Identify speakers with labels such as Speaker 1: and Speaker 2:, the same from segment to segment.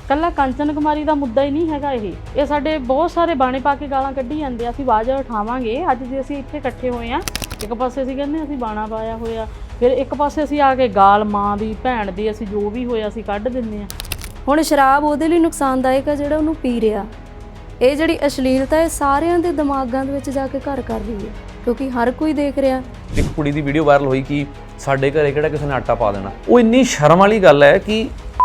Speaker 1: ਕੱਲਾ ਕੰਚਨ ਕੁਮਾਰੀ ਦਾ ਮੁੱਦਾ ਹੀ ਨਹੀਂ ਹੈਗਾ ਇਹ ਸਾਡੇ ਬਹੁਤ ਸਾਰੇ ਬਾਣੇ ਪਾ ਕੇ ਗਾਲਾਂ ਕੱਢੀ ਜਾਂਦੇ ਆ। ਅਸੀਂ ਆਵਾਜ਼ ਉਠਾਵਾਂਗੇ। ਅੱਜ ਜੇ ਅਸੀਂ ਇੱਥੇ ਇਕੱਠੇ ਹੋਏ ਆ, ਇੱਕ ਪਾਸੇ ਅਸੀਂ ਕਹਿੰਦੇ ਅਸੀਂ ਬਾਣਾ ਪਾਇਆ ਹੋਇਆ, ਫਿਰ ਇੱਕ ਪਾਸੇ ਅਸੀਂ ਆ ਕੇ ਗਾਲ ਮਾਂ ਦੀ ਭੈਣ ਦੀ ਅਸੀਂ ਜੋ ਵੀ ਹੋਇਆ ਅਸੀਂ ਕੱਢ ਦਿੰਦੇ ਆ।
Speaker 2: ਹੁਣ ਸ਼ਰਾਬ ਉਹਦੇ ਲਈ ਨੁਕਸਾਨਦਾਇਕ ਆ ਜਿਹੜਾ ਉਹਨੂੰ ਪੀ ਰਿਹਾ। ਇਹ ਜਿਹੜੀ ਅਸ਼ਲੀਲਤਾ ਇਹ ਸਾਰਿਆਂ ਦੇ ਦਿਮਾਗਾਂ ਦੇ ਵਿੱਚ ਜਾ ਕੇ ਘਰ ਕਰ ਰਹੀ ਹੈ, ਕਿਉਂਕਿ ਹਰ ਕੋਈ ਦੇਖ ਰਿਹਾ।
Speaker 3: ਇੱਕ ਕੁੜੀ ਦੀ ਵੀਡੀਓ ਵਾਇਰਲ ਹੋਈ ਕਿ ਸਾਡੇ ਘਰੇ ਕਿਹੜਾ ਕਿਸੇ ਨੇ ਆਟਾ ਪਾ ਦੇਣਾ। ਉਹ ਇੰਨੀ ਸ਼ਰਮ ਵਾਲੀ ਗੱਲ ਹੈ ਕਿ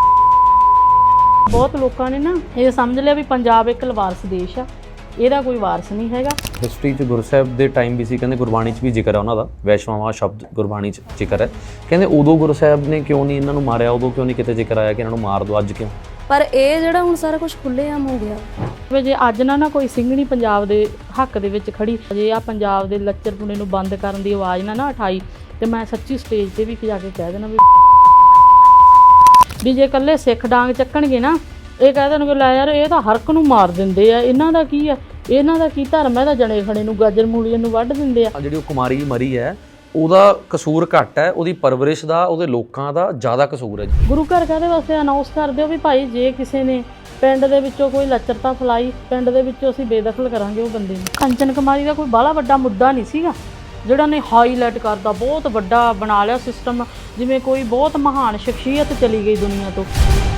Speaker 1: ਬਹੁਤ ਲੋਕਾਂ ਨੇ ਨਾ ਇਹ ਸਮਝ ਲਿਆ ਵੀ ਪੰਜਾਬ ਇੱਕ ਲਵਾਰਸ ਦੇਸ਼ ਆ, ਇਹਦਾ ਕੋਈ ਵਾਰਸ ਨਹੀਂ ਹੈਗਾ।
Speaker 3: ਹਿਸਟਰੀ 'ਚ ਗੁਰੂ ਸਾਹਿਬ ਦੇ ਟਾਈਮ ਵੀ ਸੀ, ਕਹਿੰਦੇ ਗੁਰਬਾਣੀ 'ਚ ਵੀ ਜ਼ਿਕਰ ਹੈ ਉਹਨਾਂ ਦਾ, ਵੈਸ਼ਵਾਵਾਂ ਸ਼ਬਦ ਗੁਰਬਾਣੀ 'ਚ ਜ਼ਿਕਰ ਹੈ। ਕਹਿੰਦੇ ਉਦੋਂ ਗੁਰੂ ਸਾਹਿਬ ਨੇ ਕਿਉਂ ਨਹੀਂ ਇਹਨਾਂ ਨੂੰ ਮਾਰਿਆ, ਉਦੋਂ ਕਿਉਂ ਨਹੀਂ ਕਿਤੇ ਜ਼ਿਕਰ ਆਇਆ ਕਿ ਇਹਨਾਂ ਨੂੰ ਮਾਰ ਦਿਓ, ਅੱਜ ਕਿਉਂ?
Speaker 2: ਪਰ ਇਹ ਜਿਹੜਾ ਹੁਣ ਸਾਰਾ ਕੁਝ ਖੁੱਲ੍ਹੇਆਮ ਹੋ ਗਿਆ।
Speaker 1: ਵੀ ਜੇ ਅੱਜ ਨਾ ਕੋਈ ਸਿੰਘਣੀ ਪੰਜਾਬ ਦੇ ਹੱਕ ਦੇ ਵਿੱਚ ਖੜੀ, ਜੇ ਆ ਪੰਜਾਬ ਦੇ ਲੱਚਰਪੁਣੇ ਨੂੰ ਬੰਦ ਕਰਨ ਦੀ ਆਵਾਜ਼ ਨਾ ਉਠਾਈ ਤੇ ਮੈਂ ਸੱਚੀ ਸਟੇਜ ਤੇ ਵੀ ਜਾ ਕੇ ਕਹਿ ਦੇਣਾ ਵੀ ਜੇ ਇਕੱਲੇ ਸਿੱਖ ਡਾਂਗ ਚੱਕਣਗੇ ਨਾ, ਇਹ ਕਹਿ ਦੇਣਗੇ ਲੈ ਯਾਰ ਇਹ ਤਾਂ ਹਰਕ ਨੂੰ ਮਾਰ ਦਿੰਦੇ ਆ, ਇਹਨਾਂ ਦਾ ਕੀ ਆ, ਇਹਨਾਂ ਦਾ ਕੀ ਧਰਮ ਹੈ, ਤਾਂ ਜਣੇ ਖਣੇ ਨੂੰ ਗਾਜਰ ਮੂਲੀਆਂ ਨੂੰ ਵੱਢ ਦਿੰਦੇ ਆ।
Speaker 3: ਜਿਹੜੀ ਉਹ ਕੁਮਾਰੀ ਮਰੀ ਹੈ ਉਹਦਾ ਕਸੂਰ ਘੱਟ ਹੈ, ਉਹਦੀ ਪਰਵਰਿਸ਼ ਦਾ, ਉਹਦੇ ਲੋਕਾਂ ਦਾ ਜ਼ਿਆਦਾ ਕਸੂਰ ਹੈ।
Speaker 1: ਗੁਰੂ ਘਰ ਕਾਹਦੇ ਵਾਸਤੇ ਅਨਾਉਂਸ ਕਰ ਦਿਓ ਵੀ ਭਾਈ ਜੇ ਕਿਸੇ ਨੇ ਪਿੰਡ ਦੇ ਵਿੱਚੋਂ ਕੋਈ ਲੱਚਰਤਾ ਫੈਲਾਈ, ਪਿੰਡ ਦੇ ਵਿੱਚੋਂ ਅਸੀਂ ਬੇਦਖਲ ਕਰਾਂਗੇ ਉਹ ਬੰਦੇ ਨੂੰ। ਕੰਚਨ ਕੁਮਾਰੀ ਦਾ ਕੋਈ ਬਾਹਲਾ ਵੱਡਾ ਮੁੱਦਾ ਨਹੀਂ ਸੀਗਾ ਜਿਹੜਾ ਨੇ ਹਾਈਲਾਈਟ ਕਰਦਾ, ਬਹੁਤ ਵੱਡਾ ਬਣਾ ਲਿਆ ਸਿਸਟਮ, ਜਿਵੇਂ ਕੋਈ ਬਹੁਤ ਮਹਾਨ ਸ਼ਖਸੀਅਤ ਚਲੀ ਗਈ ਦੁਨੀਆ ਤੋਂ।